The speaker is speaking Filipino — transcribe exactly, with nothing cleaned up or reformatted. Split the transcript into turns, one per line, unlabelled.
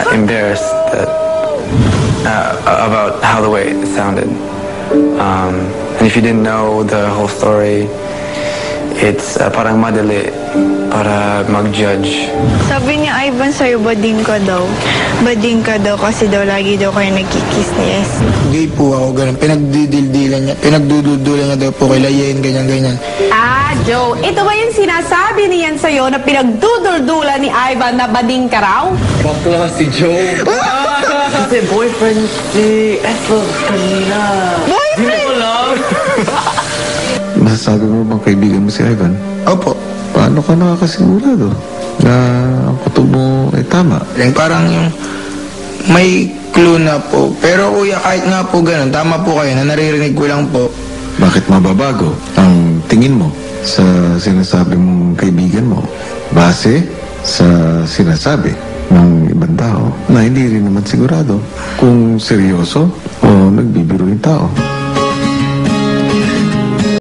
uh, embarrassed that, uh, about how the way it sounded. Um, and if you didn't know the whole story, it's uh, parang madali para mag-judge.
Sabi ni Ivan sa'yo, bading ka daw. Bading ka daw kasi daw lagi daw kayo nagkikiss ni S.
Hindi po ako ganun. Pinagdidildilan niya. Pinagdududulan niya daw po kay Layen, ganyan-ganyan.
Ah, Joe, ito ba yung sinasabi niyan sa'yo na pinagduduldulan ni Ivan na bading ka raw?
Bakla si Joe. Kasi boyfriend si Ethel kanina. Boyfriend? Di mo lang.
Masasabi mo bang kaibigan mo si Ivan?
Opo.
Paano ka nakakasigurado na ang kutob mo ay tama?
Yung parang yung may clue na po. Pero kuya, kahit nga po ganun, tama po kayo na naririnig ko lang po.
Bakit mababago ang tingin mo sa sinasabi mong kaibigan mo base sa sinasabi ng ibang tao na hindi rin naman sigurado kung seryoso o nagbibiro yung tao?